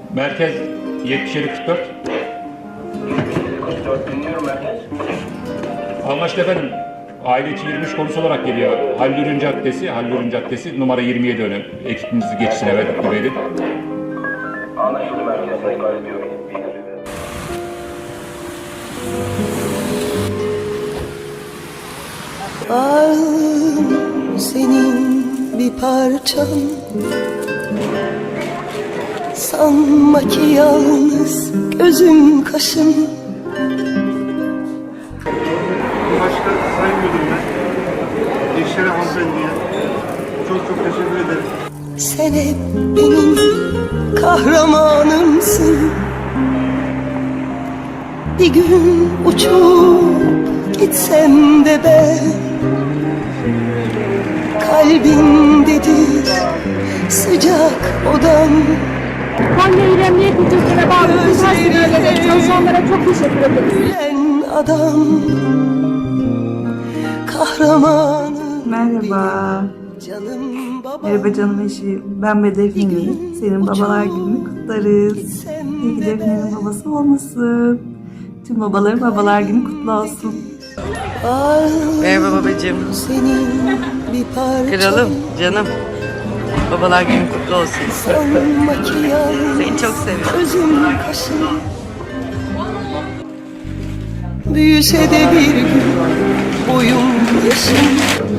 Merkez 7744. 44 dinliyorum merkez. Anlaştık efendim. Aile içi 23 konusu olarak geliyor. Hallürün Caddesi numara 27 önü. Ekibinizi geçişine verdik verin. Anlaşıldı merkez. Sayın ediyorum. Varlığım senin bir parçan. Sanma ki yalnız gözüm kaşım. Başka sayın müdürüme, eşlere hanımefendiye çok teşekkür ederim. Sen hep benim kahramanımsın. Bir gün uçup gitsem de ben, kalbindedir sıcak odam. Konya İl Emniyet Müdürlüğü'ne bağlı tüm personellere, çalışanlara çok teşekkür ederiz. Gülen adam, kahramanım. Merhaba. Canım babam. Merhaba canım eşi. Ben ve Defne'nin. Senin babalar gününü kutlarız. İyi ki Defne'nin babası olmasın. Tüm babaların babalar günü kutlu olsun. Merhaba babacığım. Senin bir parçan. Kralım, canım. Babalar günü kutlu olsun. Sanma ki yalnız Seni çok seviyorum. gözüm kaşım. Büyüse de bir gün boyum yaşım.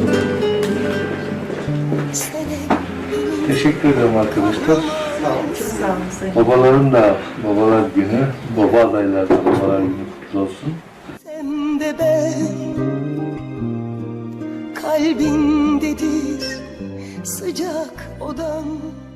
Sen hep benim Teşekkür ederim arkadaşlar. Çok sağ olun sayın. Babaların da babalar günü, baba adaylar da babalar günü kutlu olsun. sen de ben, kalbindedir sıcak odam.